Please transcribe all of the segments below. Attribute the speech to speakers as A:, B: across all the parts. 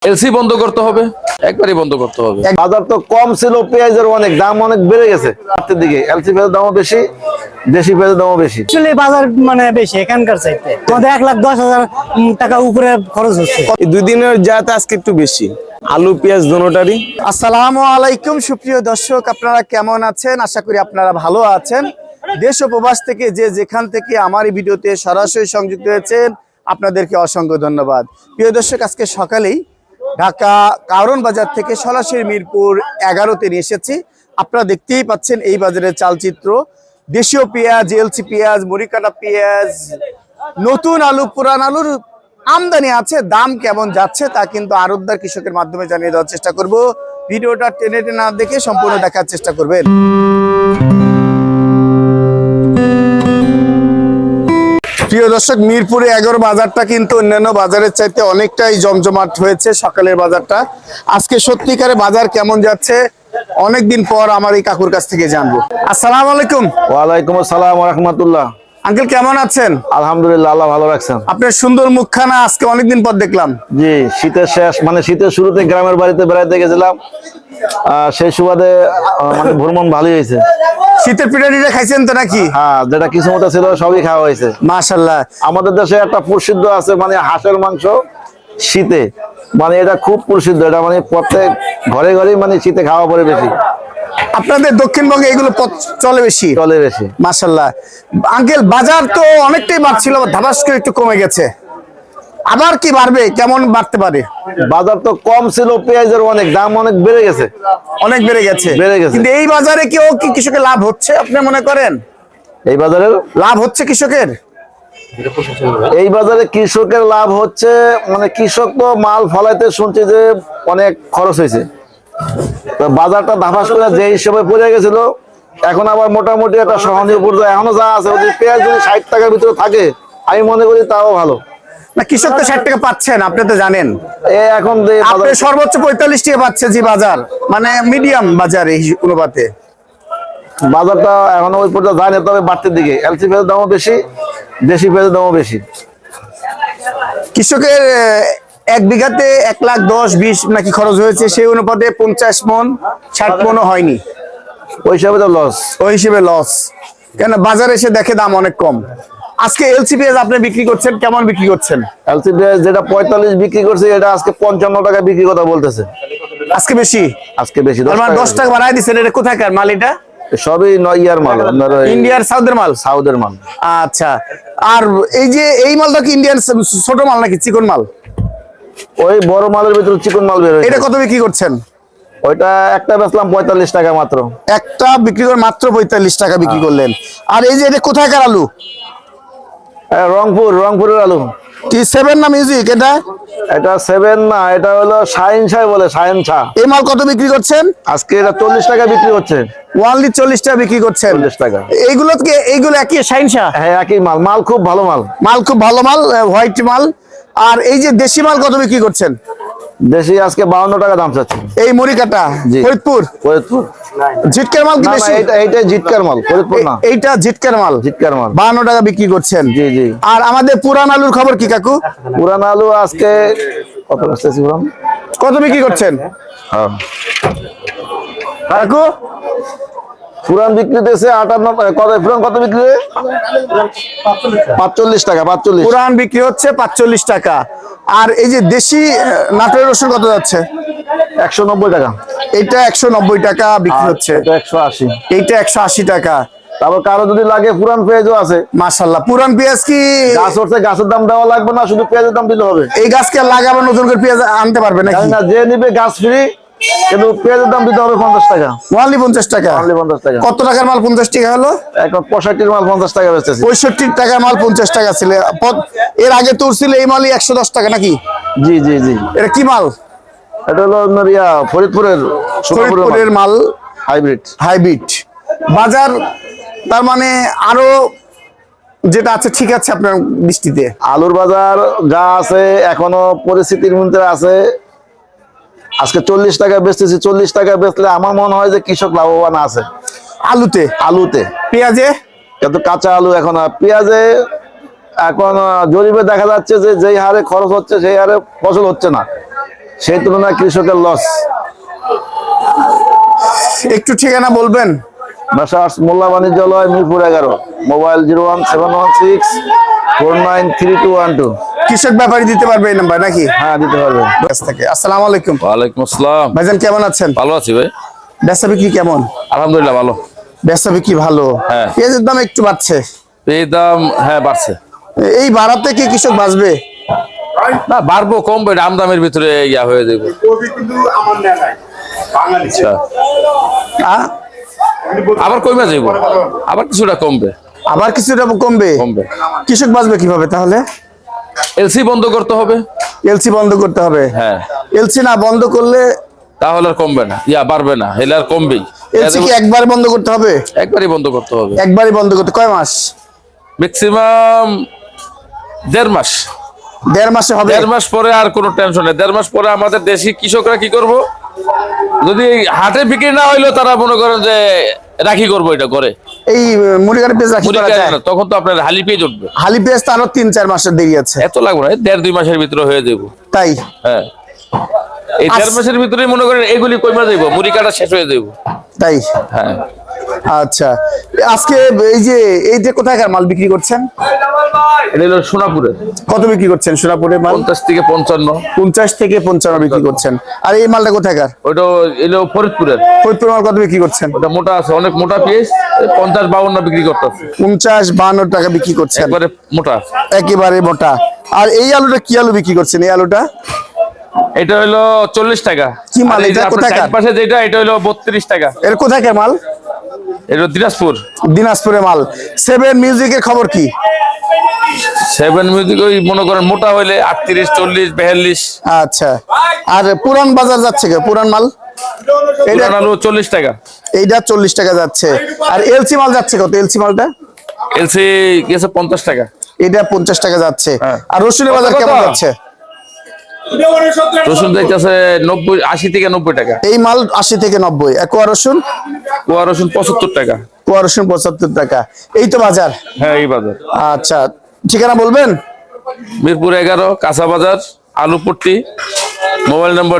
A: LC বন্ধ করতে হবে, একবারই বন্ধ করতে হবে।
B: বাজার তো কম ছিল, পেঁয়াজের অনেক দাম অনেক বেড়ে গেছে রাতের দিকে। এলসি পেঁয়াজের দামও বেশি, দেশি পেঁয়াজের দামও বেশি।
C: আসলে বাজার মানে বেশি এখানকার চাইতে আমাদের 1,10,000 টাকা উপরে খরচ হচ্ছে।
D: দুই দিনের যাতে আজকে একটু বেশি, আলু পেঁয়াজ দোনোটারই।
E: আসসালামু আলাইকুম সুপ্রিয় দর্শক, আপনারা কেমন আছেন? আশা করি আপনারা ভালো আছেন। দেশ ও প্রবাস থেকে যে যেখান থেকে আমার এই ভিডিওতে সরাসরি সংযুক্ত হয়েছেন, আপনাদেরকে অসংখ্য ধন্যবাদ। প্রিয় দর্শক, আজকে সকালেই ঢাকা কারণ বাজার থেকে সরাসরি মিরপুর 11-তে নিয়ে এসেছি। আপনারা দেখতেই পাচ্ছেন এই বাজারের চালচিত্র। দেশীয় পেঁয়াজ, এলসি পেঁয়াজ, মরিকাটা পেঁয়াজ, নতুন আলু, পুরান আলুর আমদানি আছে। দাম কেমন যাচ্ছে তা কিন্তু আড়তদার কৃষকের মাধ্যমে জানিয়ে দেওয়ার চেষ্টা করব। ভিডিওটা টেনে টেনে না দেখে সম্পূর্ণ দেখার চেষ্টা করবেন। প্রিয় দর্শক, মিরপুরে 11 বাজারটা কিন্তু অন্যান্য বাজারের চাইতে অনেকটাই জমজমাট হয়েছে সকালের বাজারটা। আজকে সত্যিকারে বাজার কেমন যাচ্ছে অনেকদিন পর আমার এই কাকুর কাছ থেকে জানবো। আসসালামু আলাইকুম।
B: ওয়ালাইকুম আসসালাম ওয়া রাহমাতুল্লাহ।
E: আঙ্কেল কেমন আছেন?
B: আলহামদুলিল্লাহ, আল্লাহ ভালো রাখছেন।
E: আপনার সুন্দর মুখখানা আজকে অনেকদিন পর দেখলাম।
B: জি, শীতের শেষ, মানে শীতের শুরুতে গ্রামের বাড়িতে বেড়াইতে গেছিলাম, সেই সুবাদে মানে ভ্রমণ ভালোই হয়েছে।
E: শীতের পিঠা টিঠা খাইছেন তো নাকি?
B: হ্যাঁ, যেটা কিছু মতো ছিল সবই খাওয়া হয়েছে
E: মাশাআল্লাহ।
B: আমাদের দেশে একটা প্রসিদ্ধ আছে, মানে হাঁসের মাংস শীতে, মানে এটা খুব প্রসিদ্ধ। এটা মানে প্রত্যেক ঘরে ঘরেই মানে শীতে খাওয়া পড়ে বেশি।
E: আপনাদের দক্ষিণবঙ্গে এগুলো চলে বেশি?
B: চলে বেশি।
E: মাশাআল্লাহ। আঙ্কেল, বাজার তো অনেকটাই বাড়ছিল, ধাবাস করে একটু কমে গেছে, আবার কি বাড়বে? কেমন বাড়তে পারে?
B: বাজার তো কম ছিল, পেঁয়াজের অনেক দাম অনেক বেড়ে গেছে।
E: অনেক বেড়ে গেছে। কিন্তু এই বাজারে কেউ কি কৃষকের লাভ হচ্ছে আপনি মনে করেন?
B: এই বাজারে
E: লাভ হচ্ছে কৃষকের?
B: এই বাজারে কৃষকের লাভ হচ্ছে, মানে কৃষক তো মাল ফলাইতে শুনছি যে অনেক খরচ হয়েছে। তো বাজারটা ধাপাস করে যে হিসেবে পড়ে গেছিল, এখন আবার মোটামুটি একটা সহনীয় পর্যায়ে এখনো যা আছে। যদি পেঁয়াজ যদি 60 টাকার ভিতরে থাকে, আমি মনে করি তাও ভালো।
E: না, কৃষক তো 60 টাকা পাচ্ছেন, আপনি তো জানেন।
B: এখন
E: আপনি সর্বোচ্চ 45 টাকা পাচ্ছে যে বাজার, মানে মিডিয়াম বাজার এই অনুপাতে
B: বাজারটা এখনো ওই পর্যায়ে যায় না, তবে বাড়তির দিকে। এলসি পেঁয়াজের দামও বেশি, দেশি পেঁয়াজের দামও বেশি।
E: কৃষকের 1 বিঘাতে 1,10,20 নাকি খরচ হয়েছে, সেই অনুপাতে 50 মন 60 মনও হয়নি।
B: ওই হিসাবে তো লস।
E: ওই হিসেবে লস, কেন বাজারে এসে দেখে দাম অনেক কম। আজকে এলসি পেঁয়াজ আপনি বিক্রি করছেন, কেমন বিক্রি করছেন?
B: এলসি পেঁয়াজ যেটা 45 বিক্রি করছে, এটা আজকে 55 টাকা বিক্রি কথা বলতেছে।
E: আজকে বেশি?
B: আজকে বেশি,
E: 10 টাকা বাড়ায় দিচ্ছেন। এটা কোথাকার মাল? এটা
B: সবই ইয়ার মাল,
E: ইন্ডিয়ার, সাউথের মাল?
B: সাউথের মাল।
E: আচ্ছা। আর এই যে এই মালটা কি ইন্ডিয়ান ছোট মাল নাকি চিকন মাল?
B: ওই বড় মালের ভিতরে চিকন মাল বের হয়েছে।
E: এটা কত বিক্রি করছেন?
B: ওইটা একটা বেচলাম 45 টাকা মাত্র।
E: একটা বিক্রি করে মাত্র 45 টাকা বিক্রি করলেন। আর এই যে এটা কোথাকার আলু?
B: রংপুরের আলু।
E: কি 7 না মিউজিক?
B: এটা 7 না, এটা হলো শাহিন শাহ বলে, শাহিন শাহ।
E: এই মাল কত বিক্রি করছেন?
B: আজকে এটা 40 টাকা বিক্রি হচ্ছে।
E: ওয়ানলি 40 টাকা বিক্রি করছেন?
B: 40 টাকা।
E: এইগুলো একই শাহিন শাহ?
B: হ্যাঁ, একই মাল। মাল খুব ভালো মাল।
E: মাল খুব ভালো মাল, হোয়াইট মাল। আর এই যে দেশি মাল কত বিক্রি করছেন?
B: দেশি আজকে 52 টাকা দাম চাচ্ছে।
E: এই মরিকাটা ফরিদপুর? জিটকার মাল কি বেশি?
B: এইটা জিটকার মাল, ফরিদপুর না।
E: এইটা জিটকার মাল?
B: জিটকার মাল
E: 52 টাকা বিক্রি করছেন।
B: জি জি।
E: আর আমাদের পুরান আলুর খবর কি কাকু?
B: পুরান আলু আজকে
E: কত বিক্রি করছেন কাকু?
B: পুরান বিক্রি দিতেছে 58। কত বিক্রি? 45 টাকা। 45
E: পুরান বিক্রি হচ্ছে 45 টাকা। আর এই যে দেশি নাটোরের রসুন কত যাচ্ছে?
B: 190 টাকা।
E: এইটা 190 টাকা বিক্রি হচ্ছে।
B: এটা 180।
E: এইটা 180 টাকা।
B: তারপর কারো যদি লাগে পুরান পেঁয়াজও আছে।
E: মাশাআল্লাহ। পুরান পেঁয়াজ কি
B: গাছ উঠছে, গাছের দাম দেওয়া লাগবে না, শুধু পেঁয়াজের দাম দিলে হবে।
E: এই গাছকে লাগাবেন, নতুন করে পেঁয়াজ আনতে পারবে নাকি?
B: না, যে নিবে গাছ ফ্রি, কিন্তু পেঁয়াজের দাম দিতে হবে 50 টাকা।
E: ওনলি 50 টাকা?
B: অনলি 50 টাকা।
E: কত টাকার মাল 50 টাকা হলো?
B: এখন 65 মাল 50 টাকা বেচতেছি।
E: 65 টাকার মাল 50 টাকা ছিল। এর আগে তোর ছিল এই মালই 110 টাকা নাকি?
B: জি জি জি।
E: এটা কি মাল?
B: এটা হলো ফরিদপুরের
E: মাল, হাইব্রিড। বাজার তার মানে আরো যেটা আছে ঠিক আছে আপনার দৃষ্টিতে?
B: আলুর বাজার যা আছে এখনো পরিস্থিতির মধ্যে আছে। আজকে 40 টাকা বেচতেছি। 40 টাকা বেচলে আমার মনে হয় যে কৃষক লাভবান আছে। আলুতে।
E: পেঁয়াজে?
B: কিন্তু কাঁচা আলু এখন, পেঁয়াজে এখন জরিপে দেখা যাচ্ছে যে যেই হারে খরচ হচ্ছে সেই হারে ফসল হচ্ছে না। সেই তুলনায় কৃষকের লস।
E: একটু ঠিকানা বলবেন?
B: বাসা মোল্লা বাণিজ্যালয়, মিরপুর 11, মোবাইল 01716493212।
E: কৃষক ব্যাপারী দিতে পারবে এই নাম্বার নাকি?
B: হ্যাঁ, দিতে পারবেন।
E: থেকে আসসালামু আলাইকুম
A: ওয়ালাইকুম আসসালাম।
E: ভাইজান, কেমন আছেন?
A: ভালো আছি ভাই,
E: বেচা বিক্রি কেমন?
A: আলহামদুলিল্লাহ ভালো।
E: বেচা বিক্রি ভালো।
A: হ্যাঁ।
E: পেঁয়াজের দাম একটু বাড়ছে।
A: এই দাম হ্যাঁ বাড়ছে।
E: এই বাড়াতে কি কৃষক বাঁচবে?
A: না বাড়বো কমবে, আমদামের ভিতরে ইয়া হয়ে যাবে। আচ্ছা,
E: আ?
A: আবার কমে যাইব, আবার কিছুটা কমবে।
E: আবার কিছুটা কমবে?
A: কমবে।
E: কৃষক বাঁচবে কিভাবে তাহলে?
A: এলসি বন্ধ করতে হবে।
E: এলসি বন্ধ করতে হবে।
A: হ্যাঁ,
E: এলসি না বন্ধ করলে
A: তাহলে আর কমবে না, ইয়া বাড়বে না, এলে আর কমবেই।
E: এলসি কি একবার বন্ধ করতে হবে?
A: একবারই বন্ধ করতে হবে।
E: একবারই বন্ধ করতে কয় মাস?
A: ম্যাক্সিমাম 1.5 মাস।
E: 1.5 মাসে হবে?
A: 1.5 মাস পরে আর কোনো টেনশন নেই। 1.5 মাস পরে আমাদের দেশি কৃষকরা কি করব, যদি হাটে বিক্রি না হইলো তারা মনে করেন যে রাখি করবো এটা করে।
E: এই মুড়িঘাটে পেঁয়াজ রাখি করা যায়?
A: তখন তো আপনার হালি পেয়ে উঠবে।
E: হালি পেঁয়াজ তো আরো 3-4 মাসের দেরি আছে।
A: এত লাগবে না, 1.5-2 মাসের ভিতরে হয়ে যাবো।
E: তাই?
A: হ্যাঁ, এই 1.5 মাসের ভিতরে মনে করেন এগুলি কমে যাইব, মুড়ি কাটা শেষ হয়ে যাইব।
E: তাই?
A: হ্যাঁ।
E: আচ্ছা, আজকে এই যে কোথাকার মাল বিক্রি করছেন?
A: এটা হলো সোনাপুরের।
E: কত বিক্রি করছেন সোনাপুরের মাল?
A: 50 থেকে 55।
E: 50 থেকে 55 বিক্রি করছেন। আর এই মালটা কোথাকার?
A: ওইটা এলো ফরিদপুরের।
E: ফরিদপুর মাল কত বিক্রি করছেন?
A: ওটা মোটা আছে, অনেক মোটা পিস, 50-52 বিক্রি করতেছে।
E: 50-52 টাকা বিক্রি করছেন,
A: একবারে মোটা।
E: একেবারে মোটা। আর এই আলুটা কি আলু বিক্রি করছেন? এই আলুটা
A: এটা হলো 40 টাকা।
E: কি মাল
A: আর এই যে
E: এটা?
A: আপনার
E: কোথাকার?
A: চারপাশে যেটা, এটা হলো 32 টাকা।
E: এর কোথাকার মাল?
A: এটা দিনাজপুর।
E: দিনাজপুরের মাল। 7 মিউজিকের খবর কি?
A: 7 মিউজিক ওই মনে করেন মোটা হইলে 38, 40, 42।
E: আচ্ছা, আর পুরান বাজার যাচ্ছে কে? পুরান মাল এটা
A: পুরান আলু 40 টাকা।
E: এইটা 40 টাকা যাচ্ছে। আর এলসি মাল যাচ্ছে কত? এলসি মালটা
A: এলসি গেছে 50 টাকা।
E: এটা 50 টাকা যাচ্ছে।
A: হ্যাঁ।
E: আর রসুনের বাজার
A: কত?
E: কেমন যাচ্ছে?
A: রসুন দেখতেছে 80 থেকে 90 টাকা।
E: এই মাল 80 থেকে 90। আর কোয়া রসুন?
A: কোয়া রসুন 75 টাকা।
E: কোয়া রসুন 75 টাকা। এই তো বাজার।
A: হ্যাঁ, এই বাজার।
E: আচ্ছা, ঠিকানা বলবেন?
A: মিরপুর 11, কাঁচা বাজার, আলুপট্টি। মোবাইল নম্বর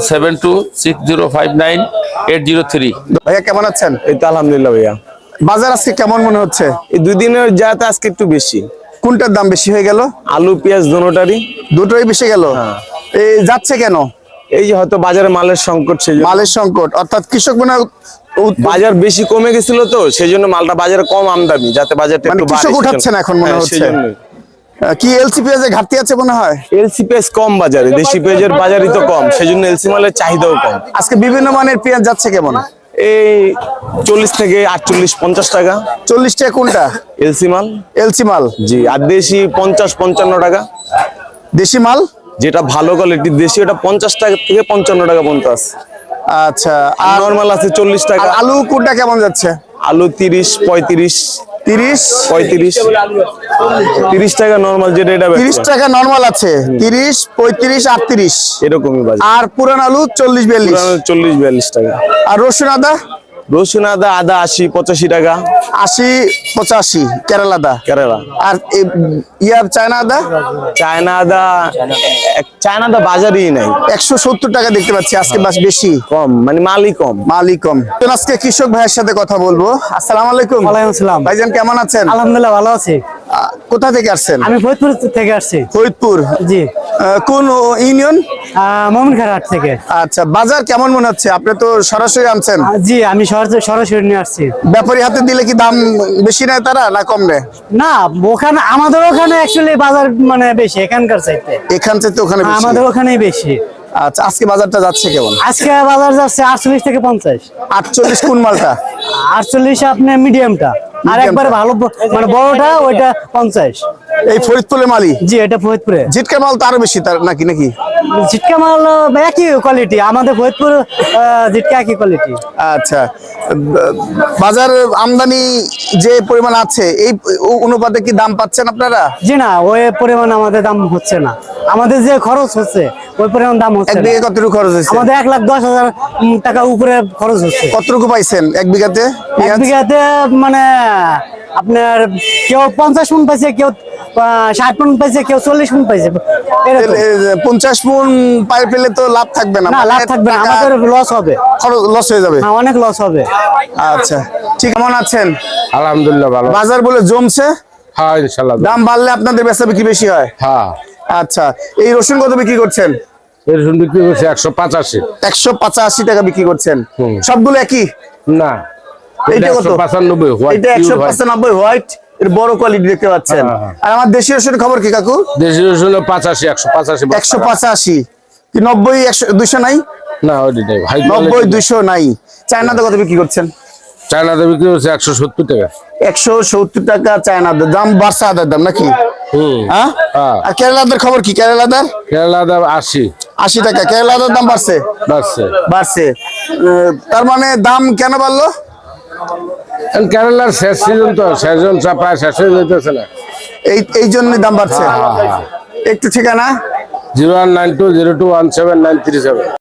A: 01726059803।
E: ভাইয়া কেমন আছেন?
D: এই তো আলহামদুলিল্লাহ ভাইয়া।
E: বাজার আজকে কেমন মনে হচ্ছে?
D: এই 2 দিনের যাতে আজকে একটু বেশি।
E: কোনটার দাম বেশি হয়ে গেল?
D: আলু পেঁয়াজ দোনোটারই।
E: দুটোই বেশি গেল। এই যাচ্ছে কেন?
D: এই যে হয়তো বাজারে মালের সংকট, সেই জন্য।
E: মালের সংকট, অর্থাৎ কৃষক মনে হয়
D: বাজার বেশি কমে গেছিল, তো সেই জন্য মালটা বাজারে কম আমদানি, যাতে বাজারটা
E: মানে
D: একটু
E: কৃষক উঠাচ্ছে না এখন মনে হচ্ছে। কি এলসি পেঁয়াজের ঘাটতি আছে মনে হয়?
D: এলসি পেঁয়াজ কম বাজারে, দেশি পেঁয়াজের বাজারই তো কম, সেই জন্য এলসি মালের চাহিদাও কম।
E: আজকে বিভিন্ন মানের পেঁয়াজ যাচ্ছে কেমন?
D: এই 40 থেকে 48-50 টাকা।
E: 40 টাকা কোনটা?
D: এলসি মাল।
E: এলসি মাল।
D: জি, আর দেশি 50-55 টাকা।
E: দেশি মাল
D: যেটা ভালো কোয়ালিটির দেশি, ওটা 50 টাকা থেকে 55 টাকা পর্যন্ত আছে।
E: আচ্ছা,
D: আর
E: আর
D: নরমাল আছে 40 টাকা।
E: আর আলু কোনটা কেমন যাচ্ছে?
D: আলু 30, 35,
E: 30,
D: 35, 30 টাকা নরমাল, যেটা এটা
E: 30 টাকা নরমাল আছে। 30, 35, 38
D: এরকমই বাজার।
E: আর পুরান আলু 40, 42।
D: 40-42 টাকা।
E: আর রসুন আদা?
D: রসুন আদা 80-85 টাকা
E: 80, 85 কেরালা আদা।
D: কেরালা।
E: আর চায়না আদা?
D: চায়না আদা, চায়না আদা বাজারেই নাই,
E: 170 টাকা দেখতে পাচ্ছি আজকে, বাস বেশি
D: কম, মানে মালই কম।
E: মালই কম। আজকে কৃষক ভাইয়ের সাথে কথা বলবো। আসসালামু আলাইকুম।
C: ওয়ালাইকুম আসসালাম।
E: ভাইজান কেমন আছেন?
C: আলহামদুলিল্লাহ ভালো আছি।
E: কোথা থেকে আসছেন?
C: আমি ফরিদপুর থেকে আসছি।
E: ফরিদপুর।
C: জি।
E: কোন ইউনিয়ন?
C: মোমিনখার হাট থেকে।
E: আচ্ছা, বাজার কেমন মনে হচ্ছে? আপনি তো সরাসরি আনছেন।
C: জি, আমি সরাসরি নিয়ে আসছি।
E: ব্যাপারী হাতে দিলে কি দাম বেশি নেয় তারা, না কম নেয়?
C: না, ওখানে আমাদের ওখানে অ্যাকচুয়ালি বাজার মানে বেশি এখানকার চাইতে।
E: এখান থেকে ওখানে বেশি?
C: আমাদের ওখানেই বেশি।
E: আচ্ছা, আজকে বাজারটা যাচ্ছে কেমন?
C: আজকে বাজার যাচ্ছে 48 থেকে 50।
E: 48 কোন মালটা?
C: 48 আপনি মিডিয়ামটা, আর একবারে ভালো মানে বড়টা ওইটা 50।
E: এই ফরিদপুরের মালই?
C: জি, এটা ফরিদপুরে।
E: জিটকা মাল তো আরো বেশি তার নাকি?
C: জিটকা মাল একই কোয়ালিটি, আমাদের ফরিদপুর জিটকা একই কোয়ালিটি।
E: আচ্ছা, বাজার আমদানি যে পরিমাণ আছে, এই অনুপাতে কি দাম পাচ্ছেন আপনারা?
C: জি না, ওই পরিমাণ আমাদের দাম হচ্ছে না। আমাদের যে খরচ হচ্ছে ওই পরিমাণ দাম হচ্ছে
E: এক
C: না।
E: বিঘে কতটুকু খরচ হয়েছে?
C: আমাদের 1,10,000 টাকা উপরে খরচ হচ্ছে।
E: কতটুকু পাইছেন এক বিঘাতে?
C: এক বিঘাতে মানে আপনার কেউ 50 মণ পাইছে, কেউ 60 মন পাইছে, কেউ 40 মন পাইছে, এরকম।
E: 50 মন পাই পেলে তো লাভ থাকবে না,
C: না, লাভ থাকবে না, আমাদের লস হবে,
E: লস হয়ে যাবে।
C: হ্যাঁ, অনেক লস হবে।
E: আচ্ছা, ঠিক, কেমন আছেন?
A: আলহামদুলিল্লাহ ভালো।
E: বাজার বলে জমছে,
A: হ্যাঁ ইনশাল্লাহ।
E: দাম বাড়লে আপনাদের বেচা বিক্রি বেশি হয়।
A: হ্যাঁ,
E: আচ্ছা, এই রসুন কত বিক্রি করছেন?
A: এর জন্য বিক্রি করছে 185।
E: 185 টাকা বিক্রি করছেন।
A: হুম।
E: সবগুলো একই?
A: না,
E: এইটা কত?
A: 195 হোয়াইট।
E: এটা 195 হোয়াইট, এর বড় কোয়ালিটি দেখতে পাচ্ছেন।
A: হ্যাঁ।
E: আর আমার দেশি রসুনের খবর কি কাকু?
A: দেশি রসুন 85, 185।
E: 185 কি 90, 100, 200 নাই?
A: না ওইটাই ভাই।
E: 90, 200 নাই। চায়নাতে কত বিক্রি করছেন?
A: চায়নাতে বিক্রি হচ্ছে 170 টাকা।
E: 170 টাকা চায়নাদের দাম, বাড়ছে আদার দাম নাকি?
A: হুম।
E: হ্যাঁ।
A: হ্যাঁ।
E: আর কেরালাদের খবর কি? কেরালাদের
A: কেরালা দাম 80
E: টাকা। কেরালাদের দাম বাড়ছে?
A: বাড়ছে।
E: বাড়ছে। তার মানে দাম কেন বাড়লো?
A: কেরালার শেষ সিজন তো, সেজন প্রায় শেষ হয়ে যেতেছে না।
E: এই জন্যই দাম বাড়ছে। একটু ঠিকানা?
A: 019202179337।